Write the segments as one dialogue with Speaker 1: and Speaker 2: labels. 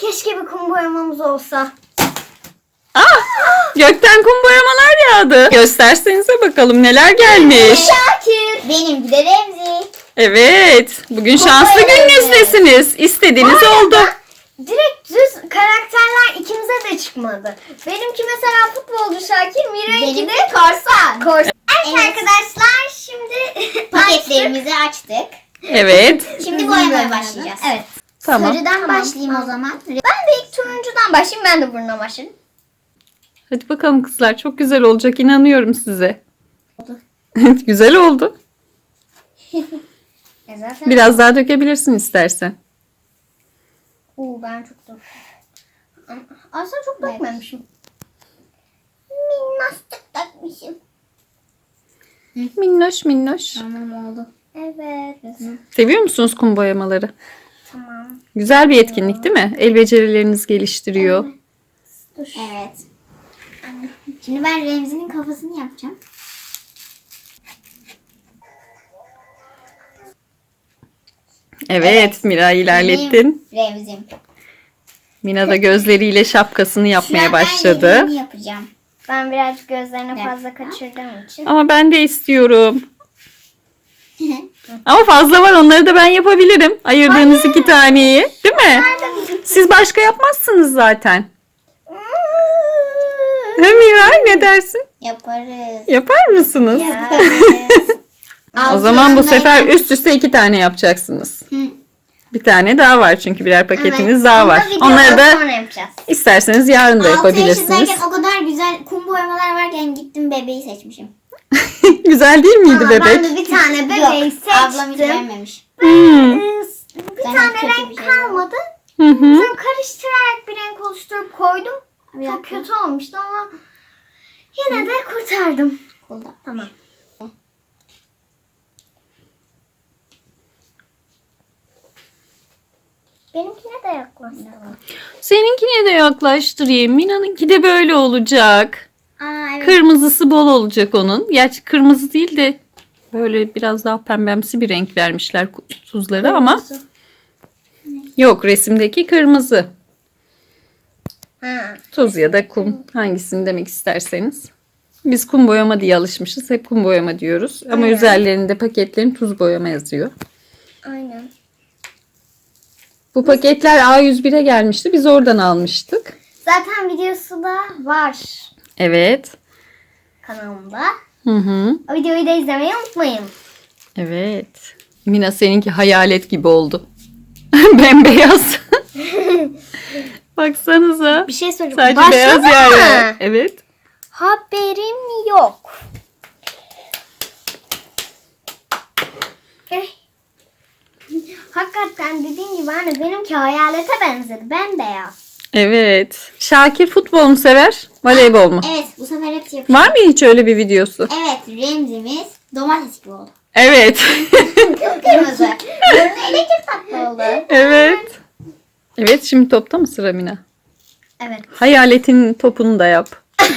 Speaker 1: Keşke bir kum boyamamız olsa.
Speaker 2: Gökten kum boyamalar yağdı. Göstersenize bakalım neler gelmiş.
Speaker 1: Şakir. Benimki de Remzi.
Speaker 2: Evet. Bugün şanslı gününüzdesiniz. İstediğiniz oldu.
Speaker 1: Direkt düz karakterler ikimize de çıkmadı. Benimki mesela futbolcu Şakir, Mira'nınki de korsan. Evet, arkadaşlar şimdi paketlerimizi açtık.
Speaker 2: Evet.
Speaker 1: Şimdi boyamaya başlayacağız. Evet.
Speaker 2: Tamam.
Speaker 1: Sarıdan başlayayım o zaman. Ben de ilk turuncudan başlayayım. Ben de burnuna başlayayım.
Speaker 2: Hadi bakalım kızlar. Çok güzel olacak. İnanıyorum size.
Speaker 1: Oldu.
Speaker 2: Güzel oldu.
Speaker 1: Zaten...
Speaker 2: Biraz daha dökebilirsin istersen.
Speaker 1: Ben çok döktüm. Aslında çok dökmemişim. Minnacık dökmüşüm.
Speaker 2: Minnoş minnoş.
Speaker 1: Tamam oldu. Evet.
Speaker 2: Seviyor musunuz kum boyamaları?
Speaker 1: Tamam.
Speaker 2: Güzel bir etkinlik değil mi? El becerilerinizi geliştiriyor.
Speaker 1: Dur. Evet. Şimdi ben Remzi'nin kafasını yapacağım.
Speaker 2: Evet, Mira ilerlettin.
Speaker 1: Remzi'm.
Speaker 2: Mina da gözleriyle şapkasını yapmaya
Speaker 1: Ben
Speaker 2: başladı.
Speaker 1: yemeğini yapacağım. Ben birazcık gözlerini fazla kaçırdığım için.
Speaker 2: Ama ben de istiyorum. Ama fazla var, onları da ben yapabilirim. Ayırdığınız 2 taneyi, değil mi? Siz başka yapmazsınız zaten. He Mira, ne dersin?
Speaker 1: Yaparız.
Speaker 2: Yapar mısınız? O zaman bu sefer üst üste 2 tane yapacaksınız. Bir tane daha var çünkü birer paketiniz daha var. Onları da
Speaker 1: sonra yapacağız.
Speaker 2: isterseniz yarın da
Speaker 1: 6
Speaker 2: yapabilirsiniz.
Speaker 1: yaşındayken o kadar güzel kum boyamalar varken gittim bebeği seçmişim.
Speaker 2: Güzel değil miydi bebek?
Speaker 1: Ben de bir tane bebeği seçtim. Ablam hiç beğenmemiş. Bir
Speaker 3: Zaten
Speaker 1: tane
Speaker 3: kötü
Speaker 1: renk
Speaker 3: bir şey
Speaker 1: kalmadı.
Speaker 2: Hı hı.
Speaker 1: Sonra karıştırarak bir renk oluşturup koydum. Çok kötü olmuştu ama yine de kurtardım. Tamam. Benimkine de yaklaştıralım.
Speaker 2: Seninkine de yaklaştırayım. Mina'nınki de böyle olacak.
Speaker 1: Evet.
Speaker 2: Kırmızısı bol olacak onun. Gerçi kırmızı değil de böyle biraz daha pembemsi bir renk vermişler tuzları ama yok, resimdeki kırmızı.
Speaker 1: Ha.
Speaker 2: Tuz ya da kum, hangisini demek isterseniz. Biz kum boyama diye alışmışız. Hep kum boyama diyoruz. Ama
Speaker 1: Aynen.
Speaker 2: üzerlerinde paketlerin tuz boyama yazıyor.
Speaker 1: Aynen.
Speaker 2: Bu paketler A101'e gelmişti. Biz oradan almıştık.
Speaker 1: Zaten videosu da var
Speaker 2: Evet.
Speaker 1: kanalımda.
Speaker 2: Hı hı.
Speaker 1: O videoyu da izlemeyi unutmayın.
Speaker 2: Evet. Mina seninki hayalet gibi oldu. Bembeyaz. Baksanıza.
Speaker 1: Bir şey söyleyeyim.
Speaker 2: Sadece
Speaker 1: Başladı
Speaker 2: beyaz
Speaker 1: mı?
Speaker 2: yer var. Evet.
Speaker 1: Haberim yok. Eh. Hakikaten dediğin gibi anne benimki hayalete benzedi. Bembeyaz.
Speaker 2: Evet. Şakir futbol mu sever? Voleybol mu?
Speaker 3: Evet, bu sefer hepsi yapıyor.
Speaker 2: Var mı hiç öyle bir videosu?
Speaker 3: Evet, Remzi'miz domates gibi oldu.
Speaker 2: Evet.
Speaker 1: Kırmızı. Burnu elektrik tatlı oldu.
Speaker 2: Evet. Evet, şimdi topta mı sıra Mina?
Speaker 1: Evet.
Speaker 2: Hayaletin topunu da yap.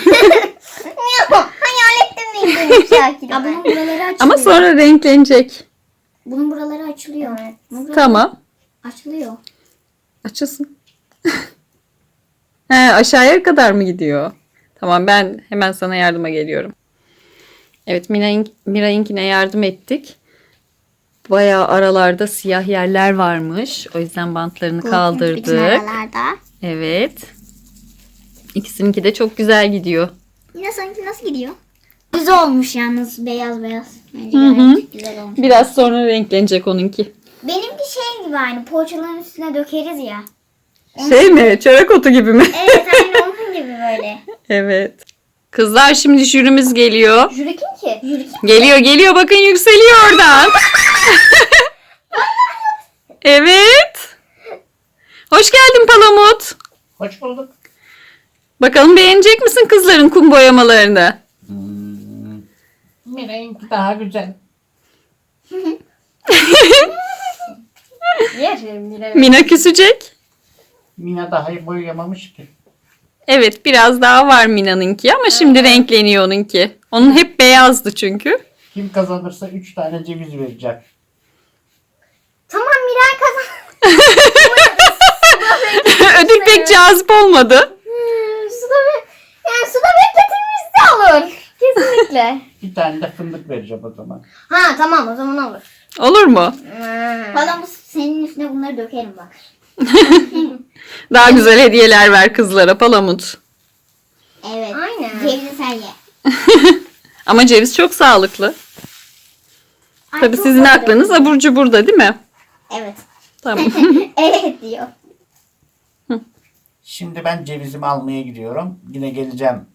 Speaker 1: Hayalettim neydi Şakir?
Speaker 3: Ya bunun buraları açılıyor.
Speaker 2: Ama sonra renklenecek.
Speaker 3: Bunun buraları açılıyor.
Speaker 1: Evet.
Speaker 3: Bunun buraları
Speaker 2: Tamam.
Speaker 3: açılıyor.
Speaker 2: Açılsın. He, aşağıya kadar mı gidiyor? Tamam, ben hemen sana yardıma geliyorum. Evet, Mira'yınkine yardım ettik. Bayağı aralarda siyah yerler varmış. O yüzden bantlarını
Speaker 3: Bütün
Speaker 2: kaldırdık.
Speaker 3: aralarda.
Speaker 2: Evet. İkisininki de çok güzel gidiyor.
Speaker 3: Yine sanki nasıl gidiyor? Düz olmuş yalnız, beyaz beyaz. Bence
Speaker 2: Hı hı.
Speaker 3: gayet güzel olmuş.
Speaker 2: Biraz sonra renklenecek onunki.
Speaker 1: Benimki şey gibi aynı poğaçaların üstüne dökeriz ya.
Speaker 2: Şey mi? Çörek otu gibi mi?
Speaker 1: Evet aynı onun gibi böyle.
Speaker 2: Evet. Kızlar, şimdi jürimiz geliyor.
Speaker 1: Jüri kim ki? Jüri kim?
Speaker 2: Geliyor bakın, yükseliyor oradan. Evet. Hoş geldin Palamut.
Speaker 4: Hoş bulduk.
Speaker 2: Bakalım beğenecek misin kızların kum boyamalarını?
Speaker 4: Miray'ınki daha güzel.
Speaker 1: Yerim bile.
Speaker 2: Mina küsecek.
Speaker 4: Mina daha iyi boyayamamış ki.
Speaker 2: Evet, biraz daha var Mina'nınki ama şimdi renkleniyor onunki. Onun hep beyazdı çünkü.
Speaker 4: Kim kazanırsa 3 tane ceviz verecek.
Speaker 1: Tamam Miray kazan.
Speaker 2: Ödül pek cazip olmadı.
Speaker 1: Suda bekletilmiş de olur. Kesinlikle.
Speaker 4: Bir tane de fındık vereceğim o zaman.
Speaker 1: Ha tamam, o zaman olur.
Speaker 2: Olur mu?
Speaker 3: Valla bu senin üstüne bunları dökerim bak.
Speaker 2: Daha güzel hediyeler ver kızlara Palamut.
Speaker 3: Evet.
Speaker 1: Aynen.
Speaker 3: Cevizi sen ye.
Speaker 2: Ama ceviz çok sağlıklı.
Speaker 3: Ay,
Speaker 2: Tabii
Speaker 3: çok
Speaker 2: sizin
Speaker 3: güzel.
Speaker 2: aklınız abur cuburda değil mi?
Speaker 3: Evet.
Speaker 2: Tamam.
Speaker 3: Evet diyor.
Speaker 4: Şimdi ben cevizimi almaya gidiyorum. Yine geleceğim.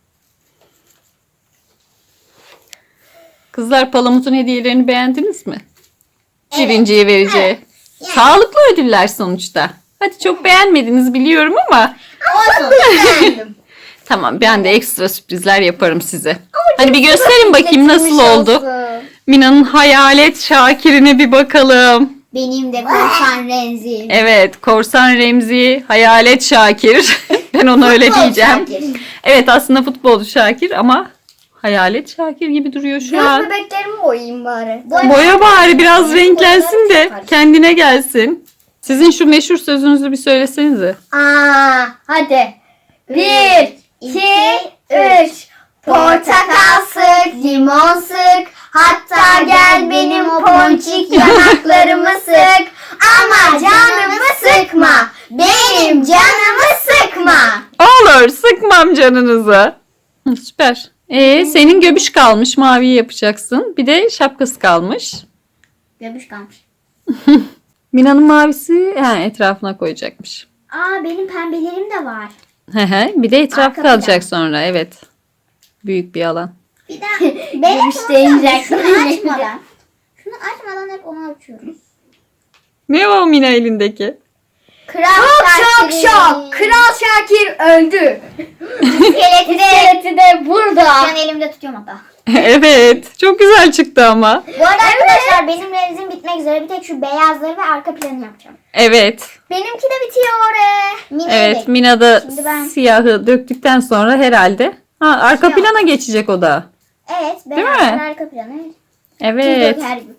Speaker 2: Kızlar Palamut'un hediyelerini beğendiniz mi?
Speaker 3: Evet.
Speaker 2: Birinciye vereceği.
Speaker 3: Evet. Yani.
Speaker 2: Sağlıklı ödüller sonuçta. Hadi çok beğenmediniz biliyorum ama
Speaker 3: Olsun.
Speaker 1: Beğendim.
Speaker 2: tamam ben de ekstra sürprizler yaparım size. Hadi bir gösterin bakayım nasıl oldu. Mina'nın hayalet Şakir'ine bir bakalım.
Speaker 3: Benim de korsan Renzi.
Speaker 2: Evet, Korsan Remzi, Hayalet Şakir. Ben ona öyle diyeceğim. Evet aslında futbolcu Şakir ama Hayalet Şakir gibi duruyor şu
Speaker 1: Göz
Speaker 2: an.
Speaker 1: bebeklerimi boyayayım bari.
Speaker 2: Boya bari biraz renklensin de kendine gelsin. Sizin şu meşhur sözünüzü bir söylesenize.
Speaker 1: Hadi. 1, 2, 3. Portakal sık, limon sık. Hatta gel benim ponçik yanaklarımı sık. Ama canımı sıkma. Benim canımı sıkma.
Speaker 2: Olur, sıkmam canınızı. Hı, süper. Senin göbüş kalmış, mavi yapacaksın. Bir de şapkası kalmış.
Speaker 3: Göbüş kalmış.
Speaker 2: Mina'nın mavisi etrafına koyacakmış.
Speaker 3: Benim pembelerim de var.
Speaker 2: Bir de etraf
Speaker 3: Arka
Speaker 2: kalacak sonra, evet. Büyük bir alan.
Speaker 3: Bir daha. Ben
Speaker 1: Göstereceğim.
Speaker 3: şunu açmadan. Şunu açmadan hep onu açıyorum.
Speaker 2: Ne o Mina elindeki?
Speaker 3: Kral
Speaker 1: Şok şok. Kral Şakir öldü. İskeleti de burada.
Speaker 3: Ben elimde tutuyorum hatta.
Speaker 2: Evet, çok güzel çıktı ama.
Speaker 3: Bu arada arkadaşlar benim renzim bitmek üzere. Bir tek şu beyazları ve arka planı yapacağım.
Speaker 2: Evet,
Speaker 1: Benimki de bitiyor.
Speaker 2: evet. Mina da
Speaker 3: Şimdi ben-
Speaker 2: siyahı döktükten sonra herhalde. Arka
Speaker 3: Siyah.
Speaker 2: plana geçecek o da.
Speaker 3: Evet,
Speaker 2: mi?
Speaker 3: beyazlar arka planı.
Speaker 2: Evet.
Speaker 3: Tuz döker gibi.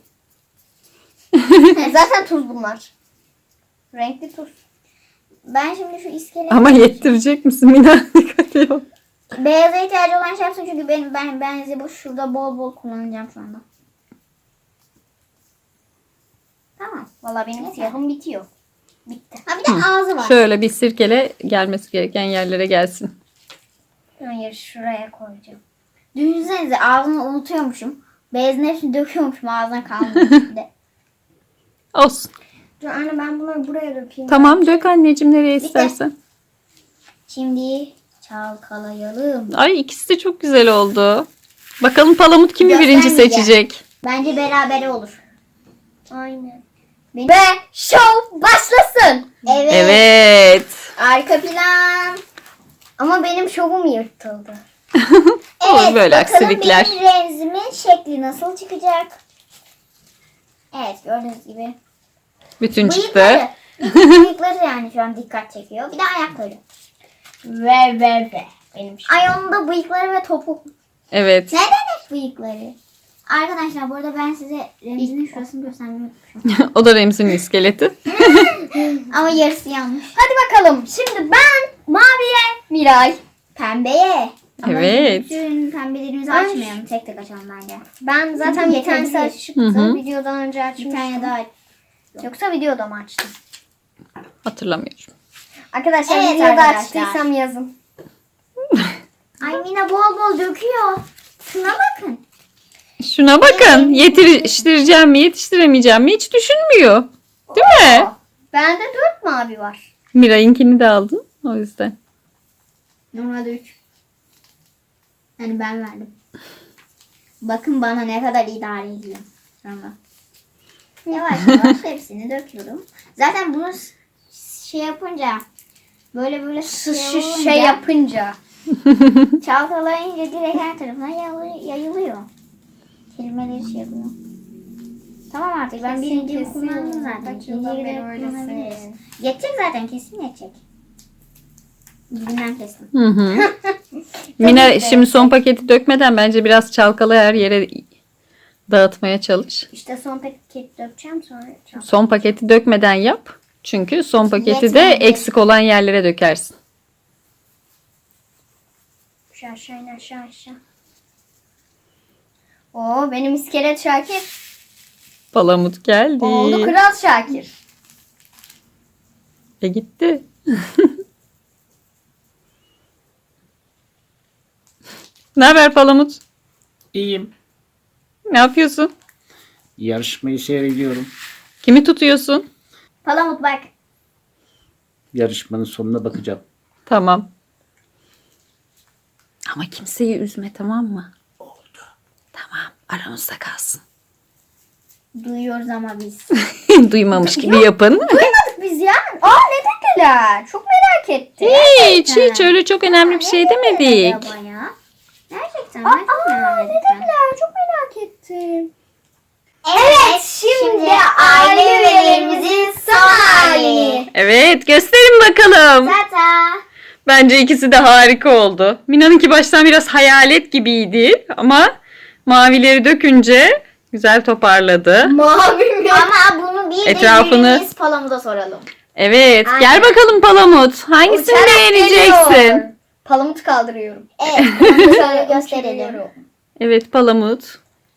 Speaker 1: Zaten tuz bunlar. Renkli tuz.
Speaker 3: Ben şimdi şu iskeleti...
Speaker 2: Ama yettirecek misin Mina? Dikkat et.
Speaker 3: Beyaza ihtiyacı olan şey yapsın çünkü ben bu şurada bol bol kullanacağım şu anda. Tamam.
Speaker 1: Valla benim siyahım bitiyor. Bitti.
Speaker 3: Ha bir de ağzı var.
Speaker 2: Şöyle bir sirkele gelmesi gereken yerlere gelsin.
Speaker 1: Hayır, şuraya koyacağım.
Speaker 3: Düşünsenize ağzını unutuyormuşum. Beyazın hepsini döküyormuşum ağzına kalmış de.
Speaker 2: Olsun.
Speaker 1: Dur anne, ben bunları buraya dökeyim.
Speaker 2: Tamam dök anneciğim nereye istersen.
Speaker 3: Şimdi çalkalayalım.
Speaker 2: Ay ikisi de çok güzel oldu. Bakalım Palamut kimi birinci
Speaker 3: Göstermeyeceğim.
Speaker 2: seçecek?
Speaker 3: Bence berabere olur.
Speaker 1: Aynen.
Speaker 3: Benim...
Speaker 1: Ve show başlasın.
Speaker 3: Evet.
Speaker 2: Evet.
Speaker 3: Arka plan.
Speaker 1: Ama benim şovum yırtıldı.
Speaker 2: Olur böyle
Speaker 3: bakalım
Speaker 2: aksilikler.
Speaker 3: benim renzimin şekli nasıl çıkacak? Evet gördüğünüz gibi.
Speaker 2: Bütün çıktı.
Speaker 3: Bıyıkları. Bıyıkları yani şu an dikkat çekiyor. Bir de ayakları.
Speaker 1: Ve. Benim şovum.
Speaker 3: Ay onun da bıyıkları ve topu.
Speaker 2: Evet.
Speaker 3: Neden hep bıyıkları? Arkadaşlar bu arada ben size Remzi'nin şurasını göstermeyi unutmuşum.
Speaker 2: O da Remzi'nin iskeleti.
Speaker 3: Ama yarısı yanlış.
Speaker 1: Hadi bakalım. Şimdi ben maviye, Miray.
Speaker 3: Pembeye. Ama
Speaker 2: Evet.
Speaker 3: bütün pembelerimizi
Speaker 1: Ay.
Speaker 3: açmayalım. Tek tek açalım bence.
Speaker 1: Ben zaten
Speaker 3: Çünkü
Speaker 1: bir tanesi
Speaker 3: yeterli.
Speaker 1: açıktı.
Speaker 2: Hı hı.
Speaker 1: Videodan önce
Speaker 3: Bir
Speaker 1: açmıştım.
Speaker 3: tane daha.
Speaker 1: Yoksa videoda mı açtım?
Speaker 2: Hatırlamıyorum.
Speaker 1: Arkadaşlar
Speaker 3: Evet
Speaker 1: videoda
Speaker 3: arkadaşlar.
Speaker 1: açtıysam yazın.
Speaker 3: Ay Mina bol bol döküyor. Şuna bakın.
Speaker 2: Şuna bakın. Yetiştireceğim mi yetiştiremeyeceğim mi hiç düşünmüyor. Değil mi?
Speaker 1: Bende 4 mavi var.
Speaker 2: Miray'ınkini de aldın. O yüzden.
Speaker 3: Normalde 3. Yani ben verdim. Bakın bana ne kadar idare ediyor. Sonra. Yavaş yavaş hepsini döküyorum. Zaten bunu şey yapınca böyle
Speaker 1: Şey yapınca.
Speaker 3: çalkalayınca direkt her tarafına yayılıyor. Kelimeleri şey yapıyor. Tamam artık ben birinciyi kullandım zaten. İkinciyi de kullanabiliriz. Geçecek zaten kesin geçecek. Dibinden kestim.
Speaker 2: Hı hı. Mina şimdi son paketi dökmeden bence biraz çalkala her yere dağıtmaya çalış.
Speaker 1: İşte son paket dökeceğim sonra.
Speaker 2: Son paketi dökmeden yap. Çünkü son paketi de eksik olan yerlere dökersin.
Speaker 1: Aşağı aşağı in, aşağı aşağı. Oo, benim iskelet Şakir.
Speaker 2: Palamut geldi.
Speaker 1: Oldu Kral Şakir.
Speaker 2: Gitti. Ne haber Palamut?
Speaker 4: İyiyim.
Speaker 2: Ne yapıyorsun?
Speaker 4: Yarışmayı seyrediyorum.
Speaker 2: Kimi tutuyorsun?
Speaker 3: Palamut bak.
Speaker 4: Yarışmanın sonuna bakacağım.
Speaker 2: Tamam. Ama kimseyi üzme, tamam mı?
Speaker 4: Oldu.
Speaker 2: Tamam, aramızda kalsın.
Speaker 3: Duyuyoruz ama biz.
Speaker 2: Duymamış gibi yapın.
Speaker 1: Duymadık biz ya. Aa, ne dediler? Çok merak ettim.
Speaker 2: Hiç öyle çok önemli bir şey demedik.
Speaker 3: Acaba ya? Gerçekten
Speaker 1: Aa,
Speaker 3: ben çok merak
Speaker 1: ne
Speaker 3: ettim.
Speaker 1: dediler? Çok merak ettim. Evet, şimdi aile üyelerimizin son halini.
Speaker 2: Evet, gösterin bakalım.
Speaker 3: Tata.
Speaker 2: Bence ikisi de harika oldu. Mina'nınki baştan biraz hayalet gibiydi ama mavileri dökünce güzel toparladı.
Speaker 1: Mavi mi?
Speaker 3: Ama bunu bir
Speaker 2: Etrafını-
Speaker 3: de biz Palamut'a soralım.
Speaker 2: Evet,
Speaker 1: Aynen.
Speaker 2: gel bakalım Palamut. Hangisini
Speaker 1: Uçarak
Speaker 2: beğeneceksin?
Speaker 1: geliyor. Palamut kaldırıyorum.
Speaker 3: Evet. Bunu şöyle gösterelim.
Speaker 2: Evet Palamut.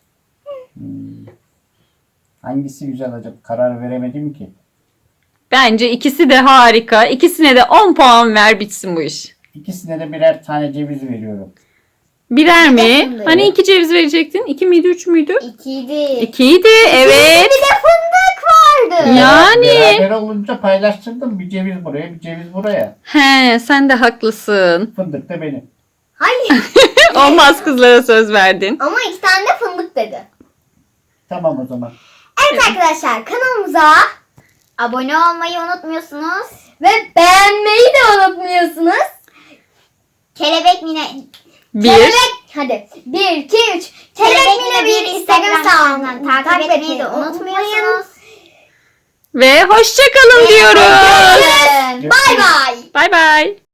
Speaker 4: Hangisi güzel acaba? Karar veremedim ki.
Speaker 2: Bence ikisi de harika. İkisine de 10 puan ver, bitsin bu iş.
Speaker 4: İkisine de birer tane ceviz veriyorum.
Speaker 2: Birer mi?
Speaker 3: fındık.
Speaker 2: Hani 2 ceviz verecektin? 2 miydi, 3 müydü?
Speaker 3: İkiydi.
Speaker 2: 2'ydi, evet.
Speaker 1: Bir de fındık vardı.
Speaker 2: Yani.
Speaker 4: Beraber olunca paylaştırdım. Bir ceviz buraya, bir ceviz buraya.
Speaker 2: He, sen de haklısın.
Speaker 4: Fındık da benim.
Speaker 1: Hayır.
Speaker 2: Olmaz, kızlara söz verdin.
Speaker 1: Ama 2 tane de fındık dedi.
Speaker 4: Tamam o zaman.
Speaker 1: Evet arkadaşlar, kanalımıza
Speaker 3: Abone olmayı unutmuyorsunuz.
Speaker 1: ve beğenmeyi de unutmuyorsunuz.
Speaker 3: Kelebek Mine.
Speaker 2: Bir.
Speaker 1: Hadi 1, 2, 3. Kelebek Mine bir Instagram hesabından
Speaker 3: takip etmeyi de unutmuyorsunuz.
Speaker 2: Ve hoşça kalın diyoruz.
Speaker 1: Bye bye.
Speaker 2: Bay bay.